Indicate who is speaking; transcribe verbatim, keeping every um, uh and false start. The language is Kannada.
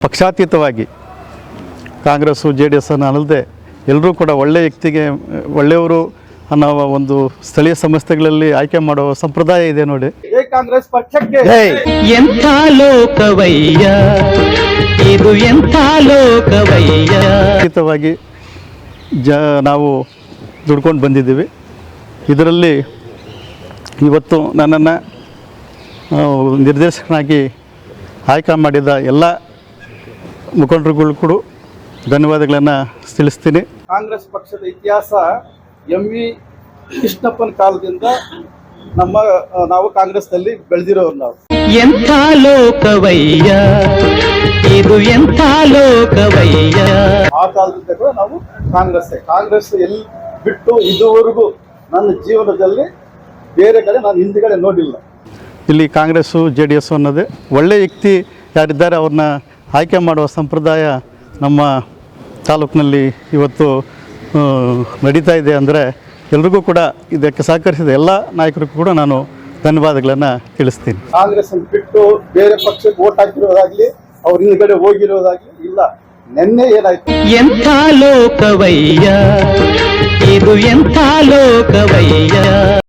Speaker 1: ಪಕ್ಷಾತೀತವಾಗಿ ಕಾಂಗ್ರೆಸ್ಸು ಜೆ ಡಿ ಎಸ್ ಅನ್ನು ಅಲ್ಲದೆ ಎಲ್ಲರೂ ಕೂಡ ಒಳ್ಳೆಯ ವ್ಯಕ್ತಿಗೆ ಒಳ್ಳೆಯವರು ಅನ್ನೋ ಒಂದು ಸ್ಥಳೀಯ ಸಂಸ್ಥೆಗಳಲ್ಲಿ ಆಯ್ಕೆ ಮಾಡುವ ಸಂಪ್ರದಾಯ ಇದೆ ನೋಡಿ.
Speaker 2: ಕಾಂಗ್ರೆಸ್ ಪಕ್ಷಕ್ಕೆ
Speaker 3: ಎಂಥ ಲೋಕವಯ್ಯ ಇದು ಎಂಥ ಲೋಕವಯ್ಯ.
Speaker 1: ಖಚಿತವಾಗಿ ಜ ನಾವು ದುಡ್ಕೊಂಡು ಬಂದಿದ್ದೀವಿ. ಇದರಲ್ಲಿ ಇವತ್ತು ನನ್ನನ್ನು ನಿರ್ದೇಶಕನಾಗಿ ಆಯ್ಕೆ ಮಾಡಿದ ಎಲ್ಲ ಮುಖಂಡರುಗಳು ಕೂಡ ಧನ್ಯವಾದಗಳನ್ನು ತಿಳಿಸ್ತೀನಿ.
Speaker 2: ಕಾಂಗ್ರೆಸ್ ಪಕ್ಷದ ಇತಿಹಾಸ ಎಂ ವಿ ಕೃಷ್ಣಪ್ಪನ ಕಾಲದಿಂದ ನಮ್ಮ ನಾವು ಕಾಂಗ್ರೆಸ್ನಲ್ಲಿ ಬೆಳೆದಿರೋರು. ನಾವು
Speaker 3: ಎಂಥ ಲೋಕವಯ್ಯ ಇದು ಎಂಥ ಲೋಕವಯ್ಯ.
Speaker 2: ಆ ಕಾಲದಿಂದ ಕೂಡ ನಾವು ಕಾಂಗ್ರೆಸ್ ಕಾಂಗ್ರೆಸ್ ಎಲ್ಲಿ ಬಿಟ್ಟು ಇದುವರೆಗೂ ನನ್ನ ಜೀವನದಲ್ಲಿ ಬೇರೆ ಕಡೆ ನಾನು ಹಿಂದ್ಗಡೆ ನೋಡಿಲ್ಲ.
Speaker 1: ಇಲ್ಲಿ ಕಾಂಗ್ರೆಸ್ಸು ಜೆ ಡಿ ಎಸ್ ಅನ್ನೋದೇ ಒಳ್ಳೆಯ ವ್ಯಕ್ತಿ ಯಾರಿದ್ದಾರೆ ಅವ್ರನ್ನ ಆಯ್ಕೆ ಮಾಡುವ ಸಂಪ್ರದಾಯ ನಮ್ಮ ತಾಲೂಕಿನಲ್ಲಿ ಇವತ್ತು ನಡೀತಾ ಇದೆ. ಅಂದರೆ ಎಲ್ರಿಗೂ ಕೂಡ ಇದಕ್ಕೆ ಸಹಕರಿಸಿದ ಎಲ್ಲ ನಾಯಕರಿಗೂ ಕೂಡ ನಾನು ಧನ್ಯವಾದಗಳನ್ನು ತಿಳಿಸ್ತೀನಿ.
Speaker 2: ಕಾಂಗ್ರೆಸ್ ಬಿಟ್ಟು ಬೇರೆ ಪಕ್ಷಕ್ಕೆ ಓಟ್ ಹಾಕಿರೋದಾಗ್ಲಿ ಅವ್ರ ಹಿಂದ್ಗಡೆ ಹೋಗಿರೋದಾಗ್ಲಿ ಇಲ್ಲ. ನಿನ್ನೆ ಏನಾಯ್ತು?
Speaker 3: ಎಂಥ ಲೋಕವಯ್ಯ ಇದು ಎಂಥ ಲೋಕವಯ್ಯ.